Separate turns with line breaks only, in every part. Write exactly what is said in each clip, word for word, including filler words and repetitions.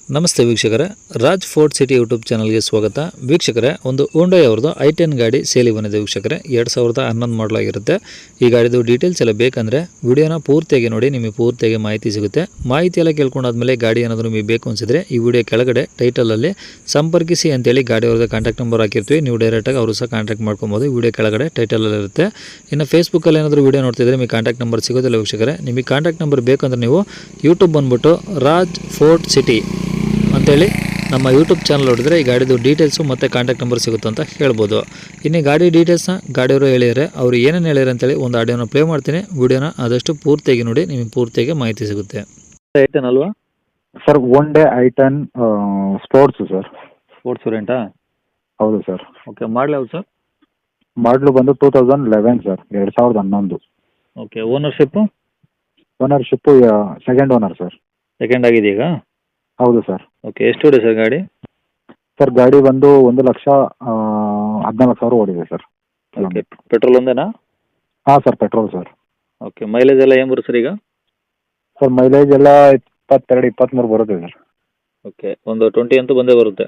ನಮಸ್ತೆ ವೀಕ್ಷಕರೇ, Raj fort city YouTube ಚಾನಲ್ಗೆ ಸ್ವಾಗತ. ವೀಕ್ಷಕರೇ, ಒಂದು ಹೋಂಡಾ ಅವ್ರದ್ದು ಐ ಟೆನ್ ಗಾಡಿ ಸೇಲಿಗೆ ಬಂದಿದೆ ವೀಕ್ಷಕರೇ. ಎರಡು ಸಾವಿರದ ಹನ್ನೊಂದು ಮಾಡಲಾಗಿರುತ್ತೆ. ಈ ಗಾಡಿದು ಡೀಟೇಲ್ಸ್ ಎಲ್ಲ ಬೇಕಂದರೆ ವಿಡಿಯೋನ ಪೂರ್ತಿಯಾಗಿ ನೋಡಿ, ನಿಮಗೆ ಪೂರ್ತಿಯಾಗಿ ಮಾಹಿತಿ ಸಿಗುತ್ತೆ. ಮಾಹಿತಿ ಎಲ್ಲ ಕೇಳ್ಕೊಂಡಾದ್ಮೇಲೆ ಗಾಡಿ ಏನಾದರೂ ನಿಮಗೆ ಬೇಕು ಅನಿಸಿದ್ರೆ ಈ ವಿಡಿಯೋ ಕೆಳಗಡೆ ಟೈಟಲಲ್ಲಿ ಸಂಪರ್ಕಿಸಿ ಅಂತೇಳಿ ಗಾಡಿ ಅವ್ರದ್ದು ಕಾಂಟ್ಯಾಕ್ಟ್ ನಂಬರ್ ಹಾಕಿರ್ತೀವಿ. ನೀವು ಡೈರೆಕ್ಟಾಗಿ ಅವರು ಸಹ ಕಾಂಟ್ಯಾಕ್ಟ್ ಮಾಡ್ಕೊಬೋದು. ವಿಡಿಯೋ ಕೆಳಗಡೆ ಟೈಟಲಲ್ಲಿ ಇರುತ್ತೆ. ಇನ್ನು ಫೇಸ್ಬುಕ್ಕಲ್ಲಿ ಏನಾದರೂ ವಿಡಿಯೋ ನೋಡ್ತಿದ್ರೆ ನಿಮಗೆ ಕಾಂಟ್ಯಾಕ್ಟ್ ನಂಬರ್ ಸಿಗೋದಿಲ್ಲ ವೀಕ್ಷಕರೇ. ನಿಮಗೆ ಕಾಂಟ್ಯಾಕ್ಟ್ ನಂಬರ್ ಬೇಕಂದ್ರೆ ನೀವು ಯೂಟ್ಯೂಬ್ ಬಂದುಬಿಟ್ಟು ರಾಜ್ ಫೋರ್ಟ್ ಸಿಟಿ ಅಂತೇಳಿ ನಮ್ಮ ಯೂಟ್ಯೂಬ್ ಚಾನಲ್ ನೋಡಿದ್ರೆ ಈ ಗಾಡಿದು ಡೀಟೇಲ್ಸು ಮತ್ತು ಕಾಂಟ್ಯಾಕ್ಟ್ ನಂಬರ್ ಸಿಗುತ್ತೆ ಅಂತ ಹೇಳ್ಬೋದು. ಇನ್ನು ಗಾಡಿ ಡೀಟೇಲ್ಸ್ನ ಗಾಡಿಯವರು ಹೇಳಿದರೆ ಅವರು ಏನೇನು ಹೇಳಿದ್ರೆ ಅಂತೇಳಿ ಒಂದು ಆಡಿಯೋನ ಪ್ಲೇ ಮಾಡ್ತೀನಿ. ವಿಡಿಯೋನ ಆದಷ್ಟು ಪೂರ್ತಿಯಾಗಿ ನೋಡಿ, ನಿಮಗೆ ಪೂರ್ತಿಯಾಗಿ ಮಾಹಿತಿ ಸಿಗುತ್ತೆ. ಐಟನ್ ಅಲ್ವಾ
sir? Hyundai I ten sports sir.
Sports ವೇರಿಯಂಟಾ?
ಹೌದು ಸರ್.
ಓಕೆ, ಮಾಡಲ್ ಯಾವುದು ಸರ್?
ಮಾಡಲು ಬಂದು ಟೂ ತೌಸಂಡ್ ಲೆವೆನ್ ಸರ್, ಎರಡು ಸಾವಿರದ ಹನ್ನೊಂದು.
Okay, ownership?
Ownership second owner sir.
Second ಆಗಿದೆ ಈಗ?
ಹೌದು ಸರ್.
ಓಕೆ, ಎಷ್ಟು ಓಡಿದೆ ಸರ್ ಗಾಡಿ?
ಸರ್ ಗಾಡಿ ಬಂದು ಒಂದು ಲಕ್ಷ ಹದಿನಾಲ್ಕು ಸಾವಿರ ಓಡಿದೆ ಸರ್.
ಓಕೆ, ಪೆಟ್ರೋಲ್ ಒಂದೇನಾ?
ಹಾಂ sir, petrol sir.
Okay, mileage ಎಲ್ಲ ಏನು ಬರುತ್ತೆ ಸರ್ ಈಗ?
ಸರ್ ಮೈಲೇಜ್ ಎಲ್ಲ ಇಪ್ಪತ್ತೆರಡು ಇಪ್ಪತ್ತ್ಮೂರು ಬರುತ್ತೆ ಸರ್.
ಓಕೆ, ಒಂದು ಟ್ವೆಂಟಿ ಅಂತೂ ಬಂದೇ ಬರುತ್ತೆ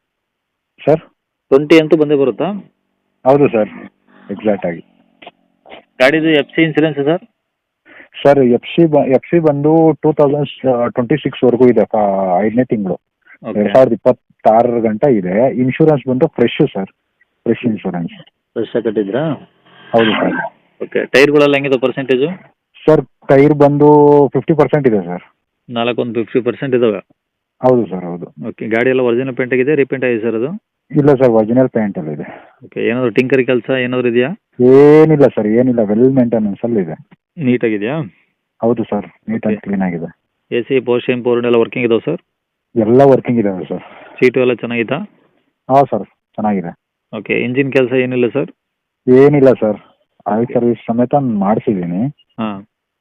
ಸರ್.
ಟ್ವೆಂಟಿ ಅಂತೂ ಬಂದೇ ಬರುತ್ತಾ?
ಹೌದು ಸರ್, ಎಕ್ಸಾಕ್ಟ್ ಆಗಿ.
ಗಾಡಿದು F C insurance sir?
Sir F C ಬ ಎಫ್ ಸಿ ಬಂದು ಟೂ ತೌಸಂಡ್ ಟ್ವೆಂಟಿ ಸಿಕ್ಸ್ವರೆಗೂ ಇದೆ. ಐದನೇ ತಿಂಗಳು ಎರಡು ಸಾವಿರದ ಇಪ್ಪತ್ತಾರರ ಗಂಟ ಇದೆ. ಇನ್ಶೂರೆನ್ಸ್ ಬಂದು fresh sir, fresh insurance.
Fresh ಆಗಿ ಕಟ್ಟಿದ್ರಾ?
ಹೌದು ಸರ್.
ಓಕೆ, ಟೈರ್ಗಳೆಲ್ಲ ಹೆಂಗಿದೆ ಪರ್ಸೆಂಟೇಜು?
ಸರ್ ಟೈರ್ ಬಂದು ಫಿಫ್ಟಿ ಪರ್ಸೆಂಟ್ ಇದೆ ಸರ್.
ನಾಲ್ಕೊಂದು ಫಿಫ್ಟಿ ಪರ್ಸೆಂಟ್ ಇದಾವೆ?
ಹೌದು ಸರ್, ಹೌದು.
ಓಕೆ, ಗಾಡಿ ಎಲ್ಲ ಒರಿಜಿನಲ್ ಪೇಂಟ್ ಆಗಿದೆ, ರೀಪೇಂಟ್ ಆಗಿದೆ ಸರ್ ಅದು?
ಇಲ್ಲ ಸರ್, ಒರಿಜಿನಲ್ ಪೇಂಟ್ ಎಲ್ಲ ಇದೆ.
ಓಕೆ, ಏನಾದರೂ ಟಿಂಕರಿ ಕೆಲಸ ಏನಾದರೂ ಇದೆಯಾ?
ಏನಿಲ್ಲ ಸರ್, ಏನಿಲ್ಲ. ವೆಲ್ ಮೇಂಟೆನೆನ್ಸ್ ಅಲ್ಲಿ ಇದೆ.
ನೀಟಾಗಿದೆಯಾ?
ಹೌದು ಸರ್, ನೀಟ್ ಆಗಿ ಕ್ಲೀನ್ ಆಗಿದೆ.
ಎ ಸಿ ಪೋಸ್ಟ್ ಇಂಪೋರ್ಟ್ ಎಲ್ಲ ವರ್ಕಿಂಗ್ ಇದಾವೆ ಸರ್?
ಎಲ್ಲ ವರ್ಕಿಂಗ್ ಇದಾವೆ ಸರ್.
ಸೀಟು ಎಲ್ಲ ಚೆನ್ನಾಗಿತ್ತಾ?
ಹಾಂ ಸರ್, ಚೆನ್ನಾಗಿದೆ.
ಓಕೆ, ಇಂಜಿನ್ ಕೆಲಸ ಏನಿಲ್ಲ ಸರ್?
ಏನಿಲ್ಲ ಸರ್, ಆಯಿಲ್ ಸರ್ವಿಸ್ ಸಮೇತ ಮಾಡಿಸಿದ್ದೀನಿ.
ಹಾಂ,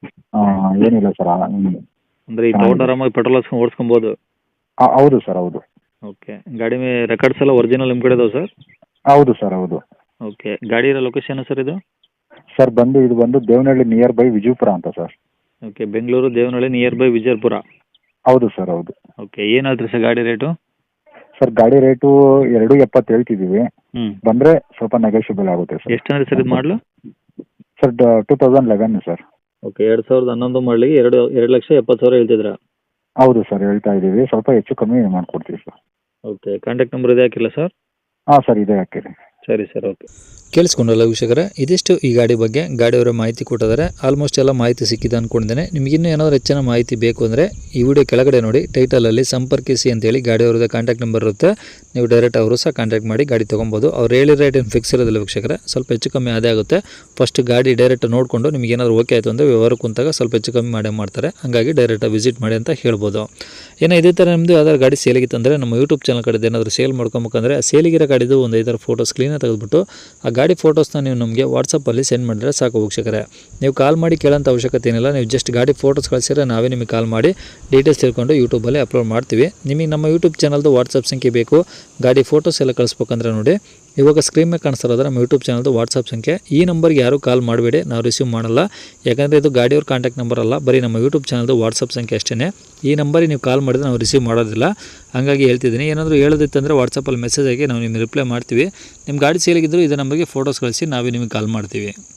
ಏನಿಲ್ಲ ಸರ್.
ಅಂದರೆ ಈ ತಗೊಂಡು ಆರಾಮಾಗಿ ಪೆಟ್ರೋಲ್ ಹಾಕ್ಸ್ಕೊಂಡು ಓಡಿಸ್ಕೊಬೋದು?
ಹೌದು ಸರ್, ಹೌದು.
ಓಕೆ, ಗಾಡಿ ಮೇ ರೆಕಾರ್ಡ್ಸ್ ಎಲ್ಲ ಒರಿಜಿನಲ್ ನಿಮ್ಮ ಕಡೆ ಇದಾವೆ ಸರ್?
ಹೌದು ಸರ್, ಹೌದು.
ಓಕೆ, ಗಾಡಿ ಇರೋ ಲೊಕೇಶನ್ ಸರ್ ಇದು?
ಸರ್ ಬಂದು ಇದು ಬಂದು ದೇವನಹಳ್ಳಿ ನಿಯರ್ ಬೈ ವಿಜಯಪುರ ಅಂತ sir.
Okay, Bengaluru Devanahalli nearby Vijayapura?
ಹೌದು ಸರ್, ಹೌದು.
ಓಕೆ, ಏನು ಹೇಳ್ತೀರಿ ಸರ್ ಗಾಡಿ ರೇಟು?
ಸರ್ ಗಾಡಿ ರೇಟು ಎರಡು ಎಪ್ಪತ್ತು ಹೇಳ್ತಿದ್ದೀವಿ.
ಹ್ಞೂ,
ಬಂದರೆ ಸ್ವಲ್ಪ ನೆಗೋಷಿಯಬಲ್ ಆಗುತ್ತೆ ಸರ್.
ಎಷ್ಟು ಅಂದರೆ ಸರ್ ಇದು ಮಾಡಲು?
Sir two thousand eleven sir.
Okay, ಎರಡು ಸಾವಿರದ ಹನ್ನೊಂದು ಮಾಡಲಿಗೆ ಎರಡು ಎರಡು ಲಕ್ಷ ಎಪ್ಪತ್ತು ಸಾವಿರ ಹೇಳ್ತಿದ್ರಾ?
ಹೌದು ಸರ್, ಹೇಳ್ತಾ ಇದ್ದೀವಿ. ಸ್ವಲ್ಪ ಹೆಚ್ಚು ಕಮ್ಮಿ ಮಾಡಿಕೊಡ್ತೀವಿ ಸರ್.
ಓಕೆ, ಕಾಂಟ್ಯಾಕ್ಟ್ ನಂಬರ್ ಇದೆ ಹಾಕಿಲ್ಲ ಸರ್?
ಹಾಂ ಸರ್, ಇದೆ ಹಾಕಿರಿ.
ಸರಿ ಸರ್, ಓಕೆ. ಕೇಳಿಸ್ಕೊಂಡಲ್ಲ ವೀಕ್ಷಕರೇ, ಇದಿಷ್ಟು ಈ ಗಾಡಿ ಬಗ್ಗೆ ಗಾಡಿಯವರ ಮಾಹಿತಿ ಕೊಟ್ಟಿದ್ದಾರೆ. ಆಲ್ಮೋಸ್ಟ್ ಎಲ್ಲ ಮಾಹಿತಿ ಸಿಕ್ಕಿದೆ ಅಂದ್ಕೊಂಡಿದ್ದೇನೆ. ನಿಮಗಿನ್ನೂ ಏನಾದರೂ ಹೆಚ್ಚಿನ ಮಾಹಿತಿ ಬೇಕು ಅಂದರೆ ಈ ವಿಡಿಯೋ ಕೆಳಗಡೆ ನೋಡಿ, ಟೈಟಲಲ್ಲಿ ಸಂಪರ್ಕಿಸಿ ಅಂತೇಳಿ ಗಾಡಿಯವ್ರದ್ದು ಕಾಂಟ್ಯಾಕ್ಟ್ ನಂಬರ್ ಇರುತ್ತೆ. ನೀವು ಡೈರೆಕ್ಟ್ ಅವರು ಸಹ ಕಾಂಟ್ಯಾಕ್ಟ್ ಮಾಡಿ ಗಾಡಿ ತೊಗೊಬೋದು. ಅವ್ರು ಹೇಳಿ ರೇಟ್ ಏನು ಫಿಕ್ಸ್ ಇರೋದಿಲ್ಲ ವೀಕ್ಷಕರೇ, ಸ್ವಲ್ಪ ಹೆಚ್ಚು ಕಮ್ಮಿ ಅದೇ ಆಗುತ್ತೆ. ಫಸ್ಟ್ ಗಾಡಿ ಡೈರೆಕ್ಟ್ ನೋಡಿಕೊಂಡು ನಿಮಗೆ ಏನಾದರೂ ಓಕೆ ಆಯಿತು ಅಂದರೆ ವ್ಯವಹಾರ ಕುಂತಾಗ ಸ್ವಲ್ಪ ಹೆಚ್ಚು ಕಮ್ಮಿ ಮಾಡೇ ಮಾಡ್ತಾರೆ. ಹಾಗಾಗಿ ಡೈರೆಕ್ಟಾಗಿ ವಿಸಿಟ್ ಮಾಡಿ ಅಂತ ಹೇಳ್ಬೋದು. ಏನೋ ಇದೇ ಥರ ನಿಮ್ಮದು ಯಾವ್ದಾದ್ರು ಗಾಡಿ ಸೇಲಿಗಿತ್ತಂದರೆ ನಮ್ಮ ಯೂಟ್ಯೂಬ್ ಚಾನಲ್ ಕಡೆ ಏನಾದರೂ ಸೇಲ್ ಮಾಡ್ಕೊಬೇಕಂದ್ರೆ ಆ ಸೇಲಿಗಿರೋ ಗಾಡಿದು ಒಂದು ಐದಾರು ಫೋಟೋಸ್ ಕ್ಲೀನಾಗಿ ತೆಗೆದುಬಿಟ್ಟು ಆ ಗಾಡಿ ಫೋಟೋಸ್ನ ನೀವು ನಮಗೆ ವಾಟ್ಸಪ್ಪಲ್ಲಿ ಸೆಂಡ್ ಮಾಡಿದ್ರೆ ಸಾಕು ವೀಕ್ಷಕರೇ. ನೀವು ಕಾಲ್ ಮಾಡಿ ಕೇಳೋಂಥ ಅವಶ್ಯಕತೆ ಏನಿಲ್ಲ. ನೀವು ಜಸ್ಟ್ ಗಾಡಿ ಫೋಟೋಸ್ ಕಳಿಸಿದ್ರೆ ನಾವೇ ನಿಮಗೆ ಕಾಲ್ ಮಾಡಿ ಡೀಟೇಲ್ಸ್ ತಿಳ್ಕೊಂಡು ಯೂಟ್ಯೂಬಲ್ಲಿ ಅಪ್ಲೋಡ್ ಮಾಡ್ತೀವಿ. ನಿಮಗೆ ನಮ್ಮ ಯೂಟ್ಯೂಬ್ ಚಾನಲ್ದು ವಾಟ್ಸಪ್ ಸಂಖ್ಯೆ ಬೇಕು, ಗಾಡಿ ಫೋಟೋಸ್ ಎಲ್ಲ ಕಳಿಸ್ಬೇಕಂದ್ರೆ ನೋಡಿ ಇವಾಗ ಸ್ಕ್ರೀನ್ ಮೇಲೆ ಕಾಣಿಸ್ತಿರೋದ್ರೆ ನಮ್ಮ ಯೂಟ್ಯೂಬ್ ಚಾನಲ್ದು ವಾಟ್ಸಪ್ ಸಂಖ್ಯೆ. ಈ ನಂಬರ್ಗೆ ಯಾರೂ ಕಾಲ್ ಮಾಡಬೇಡಿ, ನಾವು ರಿಸೀವ್ ಮಾಡಲ್ಲ. ಯಾಕಂದರೆ ಇದು ಗಾಡಿಯವ್ರ ಕಾಂಟ್ಯಾಕ್ಟ್ ನಂಬರ್ ಅಲ್ಲ, ಬರೀ ನಮ್ಮ ಯೂಟ್ಯೂಬ್ ಚಾನಲ್ದು ವಾಟ್ಸಪ್ ಸಂಖ್ಯೆ ಅಷ್ಟೇ. ಈ ನಂಬರಿಗೆ ನೀವು ಕಾಲ್ ಮಾಡಿದ್ರೆ ನಾವು ರಿಸೀವ್ ಮಾಡೋದಿಲ್ಲ. ಹಾಗಾಗಿ ಹೇಳ್ತಿದ್ದೀನಿ, ಏನಾದರೂ ಹೇಳೋದಿತ್ತಂದರೆ ವಾಟ್ಸಪ್ಪಲ್ಲಿ ಮೆಸೇಜ್ ಆಗಿ ನಾವು ನಿಮಗೆ ರಿಪ್ಲೈ ಮಾಡ್ತೀವಿ. ನಿಮ್ಮ ಗಾಡಿ ಸೇಲಿಗಿದ್ರು ಇದೇ ನಂಬರ್ಗೆ ಫೋಟೋಸ್ ಕಳಿಸಿ ನಾವೇ ನಿಮಗೆ ಕಾಲ್ ಮಾಡ್ತೀವಿ.